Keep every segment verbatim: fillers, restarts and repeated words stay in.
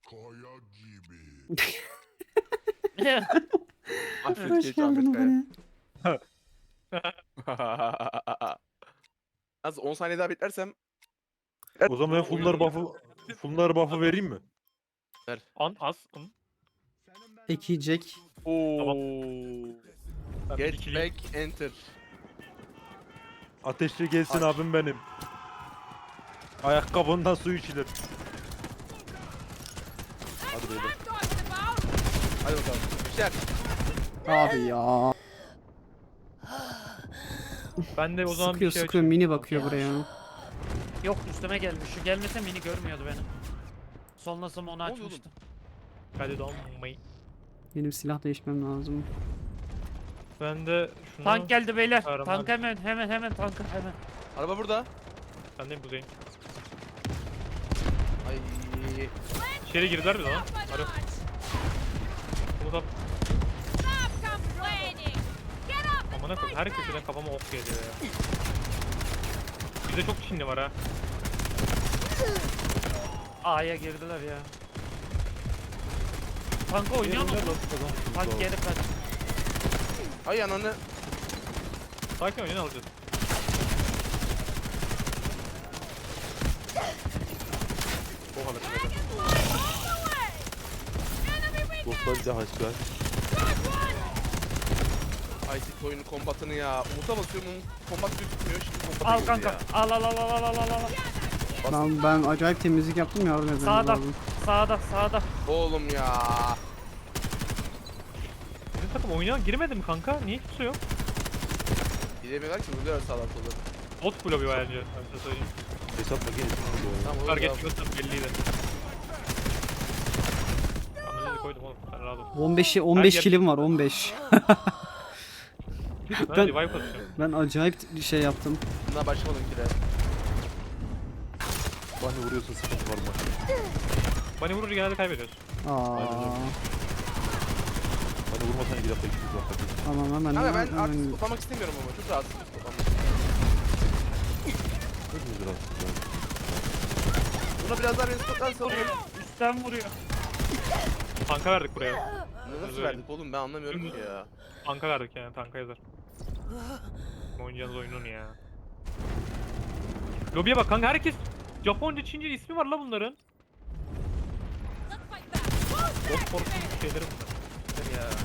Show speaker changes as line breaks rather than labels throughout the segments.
Kaya gibi.
Afiyet
Hoş
geç
geldin
Ahmet
bana.
Kaya. Az on saniye daha beklersem
O zaman ben Fulnar buff'ı Fulnar buff'ı vereyim mi?
ver.
An as. An.
Eki Jack.
Oo.
Ben bir
Get
dikileyim.
back enter.
Ateşli gelsin
Aç.
abim benim. Ayakkabından su içilir. Hadi beyler.
Hadi bakalım. Güzel.
Abi ya.
Ben de o zaman
Sıkıyor
bir şey
sıkıyor
açayım.
mini bakıyor buraya.
Yok üstüme gelmiş. Şu gelmese mini görmüyordu beni. Sonrasında onu
Ne oluyor
açmıştım.
Hadi donmayı.
Benim silah değişmem lazım.
Ben de şunu...
Tank geldi beyler.
Kahraman.
Tank hemen hemen hemen tankı hemen.
Araba burada.
Ben de buradayım.
Ay.
İçeri girdiler bir zaman. Alo. Umut abi. Amına koyayım her köşeden kafama ok geliyor ya. Bizde çok Çinli var ha.
A'ya girdiler ya. Tanka oynuyor mu? Tank geri kaç.
Ay ananı.
Sakin oyunu alacağız. O kadar.
Dostlarca haşlar.
Ay sit oyunun kombatını ya. Umut'a basıyorum kombat gözükmüyor. Şimdi kombata
Al
girdi
kanka.
ya.
Al al al al al al al al.
Ben, ben acayip temizlik yaptım ya orada.
Sağda. Sağda sağda.
Oğlum ya.
Bizim takım oyuna girmedi mi kanka? Niye kimse yok?
Gidemiyorlar ki vuruyorlar sağdan soldan.
Bot bloğu bir bence. Ben size söyleyeyim.
Hesap makinesi oluyor.
Tamam olur
Target
ya.
yiyorsan belliydi. Analizi koydum oğlum. Sen rahat ol.
on beşi on beş
Her
kilim var on beş.
Ben
Ben-
revive atacağım.
Ben acayip bir şey yaptım.
Bundan başlamadım ki de.
Bani vuruyorsa sıkıntı var mı?
Bani vurunca genelde kaybediyoruz.
Aa.
Bani vurmasan iki dakika iki dakika.
Tamam hemen.
Kanka ben
hemen-
artık toplamak istemiyorum ama çok rahatsız toplamak.
Hepimiz rahatsız ya.
Buna biraz daha beni spotlarsa alıyorum.
Üstten vuruyor.
Tanka verdik buraya.
Bunu nasıl
Özür
verdik oğlum ben anlamıyorum ki ya.
Tanka verdik yani. Tanka yazar. Oynayacağınız oyunun ya. Lobiye bak kanka herkes Japonca, Çince ismi var la bunların. Bot korkunç şeyleri bunlar.
Ya.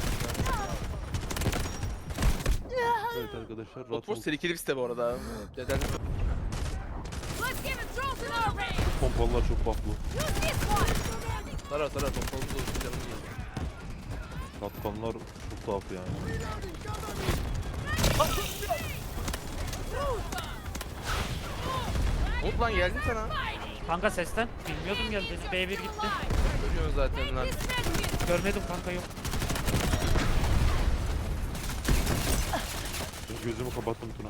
Evet arkadaşlar rahat
Botforce
ol.
tehlikeli bir site bu arada. Neden?
Pompalılar çok bufflu.
Sarar sarar pompalımız olsun canımız olsun.
Katkanlar çok tuhaf yani.
Umut lan geldim sana.
Kanka sesten. Bilmiyordum geldi. B bir gitti.
Görüyorsun zaten lan.
Görmedim kanka yok.
Ben gözümü kapattım Tuna.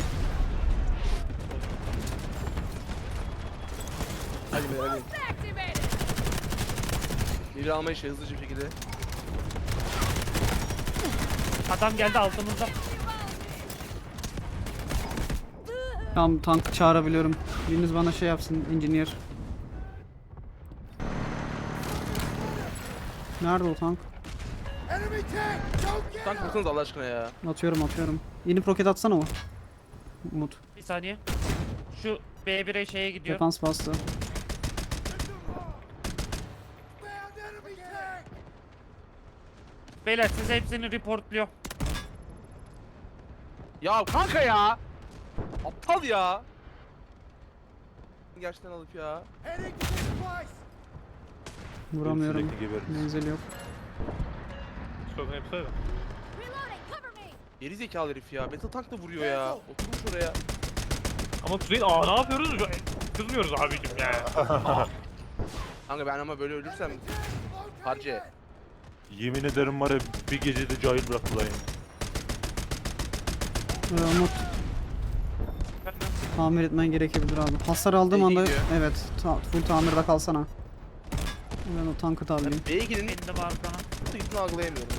Hadi be hadi. Biri alma işi hızlıca bir şekilde.
Adam geldi altımızda.
Tamam tank çağırabiliyorum. Biriniz bana şey yapsın engineer. Nerede o tank?
Tank mısınız Allah aşkına ya?
Atıyorum atıyorum. Yeni roket atsana o. Umut.
Bir saniye. Şu B bir'e şeye gidiyor.
Defans bastı.
Beyler siz hepsini reportluyor.
Ya kanka ya! Aptal ya! Gerçekten alıp ya.
Vuramıyorum.
Sürekli gebeririz.
Menzil yok.
Sorun hepsi öyle.
Geri zekalı herif ya. Battle Tank da vuruyor ya. Oturmuş oraya.
Ama Kuzey aa ne yapıyoruz? Kızmıyoruz abicim ya.
Kanka ben ama böyle ölürsem harca.
Yemin ederim var ya bir gecede cahil bıraktılar yani.
Ee, Umut. Tamir etmen gerekebilir abi. Hasar aldığım
İyi
anda
gidiyor.
evet ta full tamirde kalsana. Ben o tankı tamirleyeyim.
B'ye gidin.
Bindim arkana.
Tıkını algılayamıyorum.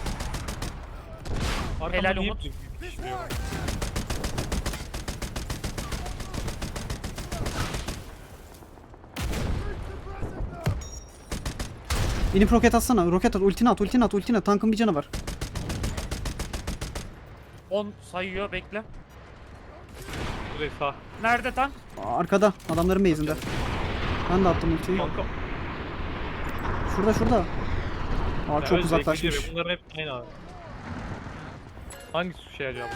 Arkamda
Helal
niye
Umut.
pişmiyor?
İnip roket atsana. Roket at. Ultini at. Ultini at. Ultini at. Tankın bir canı var.
on sayıyor bekle.
Burayı sağ.
Nerede tank?
Aa, arkada. Adamların base'inde. Ben de attım ultiyi.
Kanka.
Şurada şurada. Aa
Ya
çok
öyle
uzaklaşmış.
zevkli gibi. Bunların hep aynı abi. Hangisi şey acaba?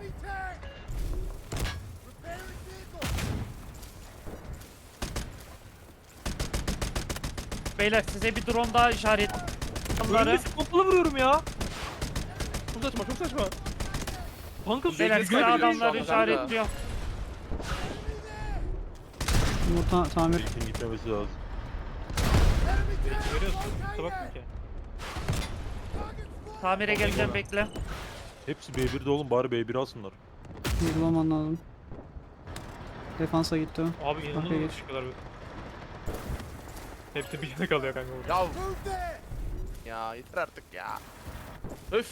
Beyler size bir drone daha işaret. Onları.
Önünde pompalı vuruyorum ya.
Çok saçma çok saçma.
Kanka
Beyler
Zevkli
size
kaybediyoruz şu
adamları
anda kanka.
işaretliyor.
Yumurta tamir.
Fake'in gitmemesi lazım.
görüyorsun. Kusura bakma ki.
Tamire geleceğim bekle.
Hepsi B bir'de oğlum, bari B bir alsınlar.
Bir bulman lazım. Defansa gitti o.
Abi
Okey,
inanılmaz
geç.
çıkıyorlar. Hepsi bir yana kalıyor kanka burada.
Ya. Ya yeter artık ya. Öf.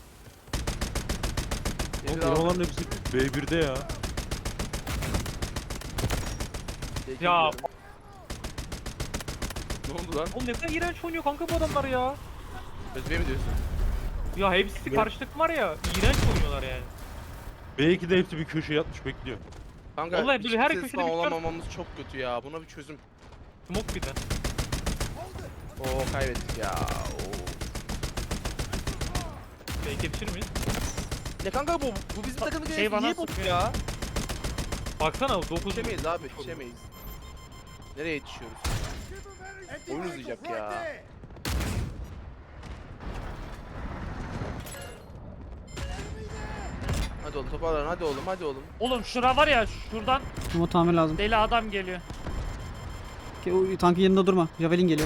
Oğlum
Yeter abi.
elemanların hepsi B bir'de ya.
Peki,
Ya.
gidiyorum. Ne oldu lan?
Oğlum ne kadar iğrenç oynuyor kanka bu adamlar ya.
Özbey mi diyorsun?
Ya hepsi
Ne?
karşı takım var ya. İğrenç oynuyorlar yani.
B iki'de hepsi bir köşeye yatmış bekliyor.
Kanka
Vallahi böyle
hiçbir
her
ses
köşede
falan
bir tane-
olamamamız çok kötü ya. Buna bir çözüm.
Smoke bir de.
Oo kaybettik ya. Oo.
Belki yetişir miyiz?
Ya kanka bu bu bizim takımın
şey
şey
bana
niye bot
sıkıyor.
ya?
Baksana dokuz.
Yetişemeyiz abi yetişemeyiz. Nereye yetişiyoruz? Oyun uzayacak ya. Hadi oğlum toparlan hadi oğlum hadi oğlum.
Oğlum şura var ya şuradan
Yumurta tamir lazım.
deli adam geliyor.
Ki o tankın yanında durma. Javelin geliyor.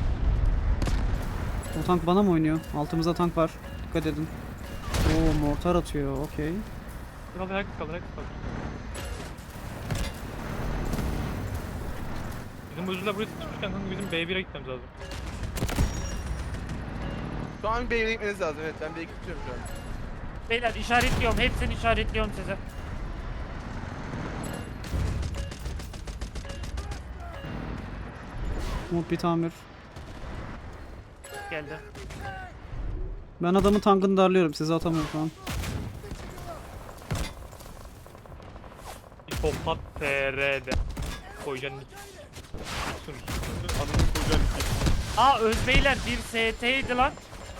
O tank bana mı oynuyor? Altımızda tank var. Dikkat edin. Oo mortar atıyor. Okey.
Kaldır herkes kaldır herkes kaldır. Bizim oyuncular buraya sıkışmışken kanka bizim B bir'e gitmemiz lazım.
Şu an B'ye gitmeniz lazım evet ben B'ye gidiyorum şu an.
Beyler işaretliyorum. Hepsini işaretliyorum size.
Umut bir tamir.
Geldi.
Ben adamın tankını darlıyorum. Size atamıyorum falan.
Hipopat T R'de. Koyacaksın nick.
Anını koyacaksın.
Aa Özbeyler bir S T'ydi lan.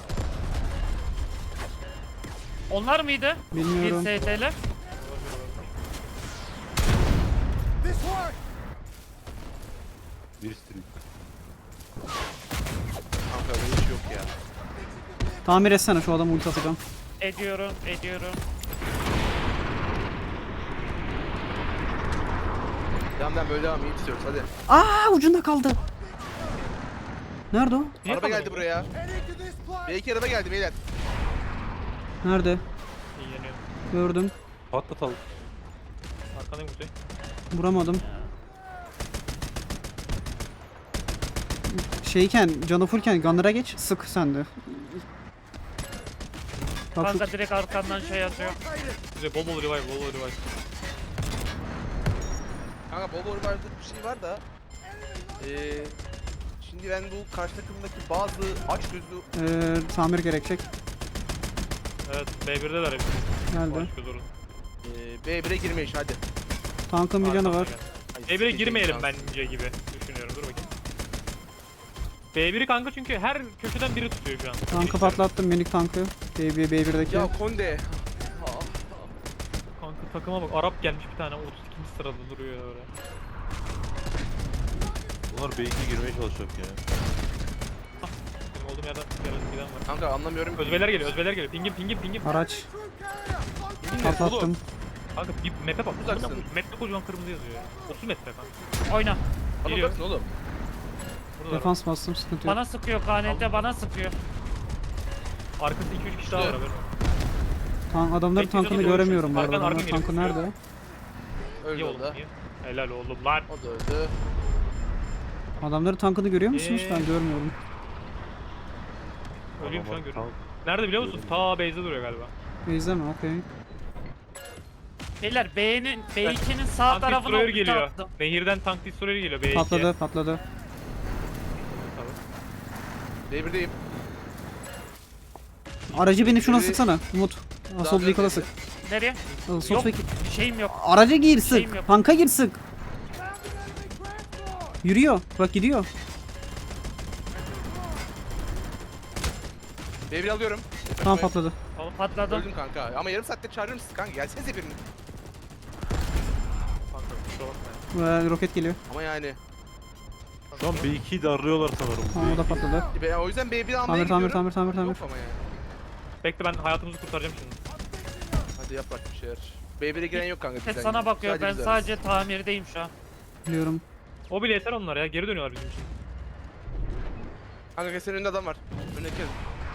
Onlar mıydı?
Bilmiyorum.
Bir S T'ler.
Bir streak.
Kanka böyle hiç yok ya.
Tamir etsene şu adamı ulti atacağım.
Ediyorum, ediyorum.
Devam devam böyle devam iyi tutuyoruz hadi.
Aa ucunda kaldı. Nerede o?
Niye
Araba geldi
kalıyor?
buraya. B iki araba geldi beyler.
Nerede?
İyi yeniyor.
Gördüm.
Patlatalım.
Arkandayım Kuzey.
Vuramadım. Şeyken, canı fullken Gunner'a geç. Sık sen de. Bak şu
Kanka direkt arkandan şey atıyor.
Kuzey bol bol revive bol bol revive.
Kanka bol bol vardı bir şey var da. Eee şimdi ben bu karşı takımdaki bazı aç gözlü
eee, tamir gerekecek.
Evet B bir'deler hepsi.
Geldi.
Başka zorun.
eee B bire girme işi hadi.
Tankın bir canı var.
Ay,
B bir'e
sikeceğim
girmeyelim
şans.
bence gibi düşünüyorum. Dur bakayım. B bir'i kanka çünkü her köşeden biri tutuyor şu an.
Tankı patlattım minik tankı. B bir, B bir'deki.
Ya Konde.
Kanka takıma bak Arap gelmiş bir tane otuz ikinci sırada duruyor öyle.
Bunlar B iki'ye girmeye çalışacak ya.
Benim olduğum yerden gelen giden var.
Kanka anlamıyorum.
Özbeler geliyor, özbeler geliyor. Pingim, pingim, pingim.
Araç
Bilmiyorum, oğlum.
patlattım.
Kanka bir map'e bak.
Uzaksın.
Map'te kocaman kırmızı yazıyor ya. otuz metre kanka.
Oyna.
Bana
Geliyor.
bakın oğlum.
Burada
Defans bastım sıkıntı yok.
Bana sıkıyor K N T bana sıkıyor.
arkasında iki üç kişi daha var haberin.
Tank, adamların
Bekliyor,
tankını
doğru
göremiyorum bu
diyorsun.
arada.
Arkan-
Adamların
arkan
tankı
geliyor.
nerede?
Öldü
İyi
o
oğlum,
da.
iyi. Helal oğlum lan.
O da öldü.
Adamların tankını görüyor musunuz?
Ee,
Ben görmüyorum.
Ölüyorum şu an
Adamlar
görüyorum.
tank-
Nerede biliyor musun? Ta base'de duruyor galiba.
Base'de mi? Okey.
Beyler B'nin B iki'nin sağ
Tank
tarafına
destroyer
ulti
geliyor.
attım.
Nehirden tank destroyer geliyor B iki'ye.
Patladı patladı.
Tamam.
B birdeyim.
Aracı beni şuna
Biri-
sıksana Umut. Assault
Daha
Vehicle'a sık.
Nereye?
Assault
Yok.
Vehicle.
Bir şeyim yok.
Araca gir
Şeyim
sık.
yok.
Tanka gir sık. Yürüyor. Bak gidiyor.
B bir alıyorum.
Tamam patladı.
Patladım.
Öldüm kanka. Ama yarım saatte çağırır mısın kanka? Gelsenize birini.
Kanka kusura bakma.
Ve roket geliyor.
Ama yani.
Şu an B ikiyi de arıyorlar sanırım.
Tamam o da patladı.
Ben o yüzden B bir almaya
Tamir tamir
gidiyorum.
tamir tamir tamir.
Yok ama yani.
Bekle ben hayatımızı kurtaracağım şimdi.
Hadi yap bak bir şeyler. B bire giren yok kanka
Ses
bizden.
sana bakıyor.
Sadece
Ben
biz
sadece tamirdeyim şu an.
Biliyorum.
O bile yeter onlar ya. Geri dönüyorlar bizim için.
Kanka senin önünde adam var. Önüne gel.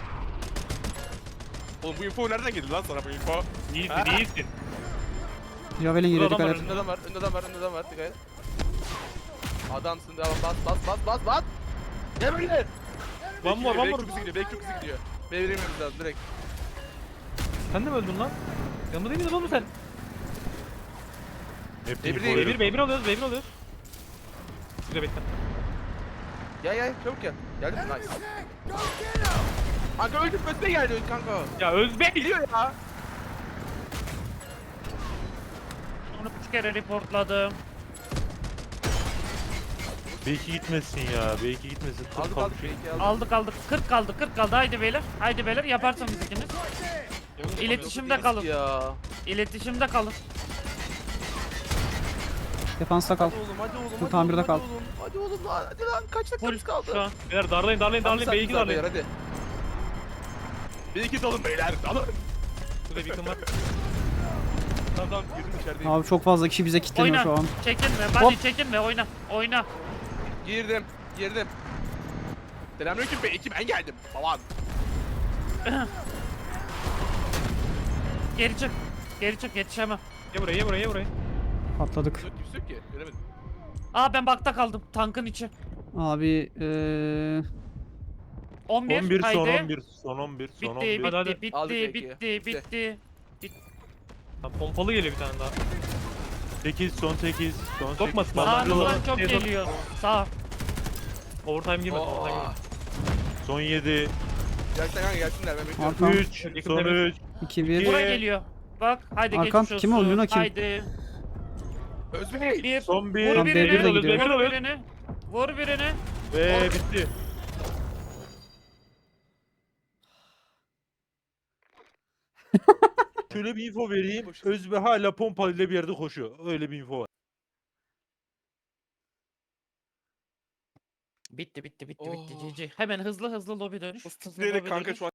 Oğlum bu info nereden geldi lan sana bu info?
İyisin
Ha?
iyisin.
Javelin geliyor
Burada
dikkat
adam
et.
Önünde adam var, önünde adam var, önünde adam var. Dikkat et. Adamsın devam bas bas bas bas bas. Gel böyle.
One more one
Belki
more.
çok hızlı gidiyor, belki çok hızlı gidiyor. B bire inmemiz lazım direkt.
Sen de mi öldün lan? Yanında değil miydin oğlum sen?
Hep
B bir
info
değil,
B
veriyor.
bir B bir alıyoruz B bir alıyoruz. Güzel bekle.
Gel gel çabuk gel. Geldim nice. Kanka öldüm ötüne geldi öldü kanka.
Ya Özbek!
Biliyor ya.
Onu üç kere reportladım.
B iki gitmesin ya. B iki gitmesin. Tır
Aldık
kaldı.
aldık belki aldık.
Aldık aldık. kırk kaldı kırk kaldı. Haydi beyler. Haydi beyler yaparsanız ikiniz. İletişimde kalın.
Ya.
İletişimde kalın.
Defansta kal.
Hadi oğlum hadi oğlum.
Bu
hadi
tamirde
oğlum,
kal.
Hadi oğlum, hadi oğlum lan hadi lan kaç
Full
dakikamız kaldı?
şu an.
Beyler darlayın darlayın darlayın B iki darlayın.
Hadi. B iki dalın beyler dalın.
Burada bir yakın var.
Tamam tamam girdim içerideyim.
Abi çok fazla kişi bize kilitleniyor
Oyna.
şu an.
Çekinme.
Hop.
Hadi çekinme. Oyna. Oyna.
Girdim girdim. Selamünaleyküm B iki ben geldim. Falan.
Geri çık. Geri çık. Yetişemem.
Ye buraya ye buraya ye buraya.
Patladık.
Yok kimse yok ki göremedim.
Aa ben bakta kaldım. Tankın içi.
Abi eee
on bir.
on bir son
haydi.
on bir son on bir son on
Bitti,
bir.
Hadi, hadi.
bitti,
Aldık
bitti,
belki.
bitti, bitti.
Lan pompalı geliyor bir tane daha.
sekiz son sekiz son
Sokma,
sekiz.
sağ-
Sağımızdan
Sağ-
çok
Sağ-
geliyor. Sağ.
Overtime girmedi
Oo.
overtime girmedi.
Son yedi.
Gerçekten kanka gelsinler ben bekliyorum.
Arkam
üç
Yakın
son
temiz.
üç.
iki bir.
Buraya geliyor. Bak haydi
Arkam,
geçmiş
kim o?
olsun.
Luna kim?
Haydi.
Özbey.
Bir.
Son bir.
Vur
Tamam, B bir de
birini.
gidiyor.
B bir
Vur
alıyoruz.
birini. Vur birini.
Ve bitti. Şöyle bir info vereyim. Özbe hala pompalıyla bir yerde koşuyor. Öyle bir info var.
Bitti bitti bitti bitti.
Oh.
G G. Hemen hızlı hızlı lobi dönüş. Hızlı
Direkt
lobi
kanka
dönüş.
şu an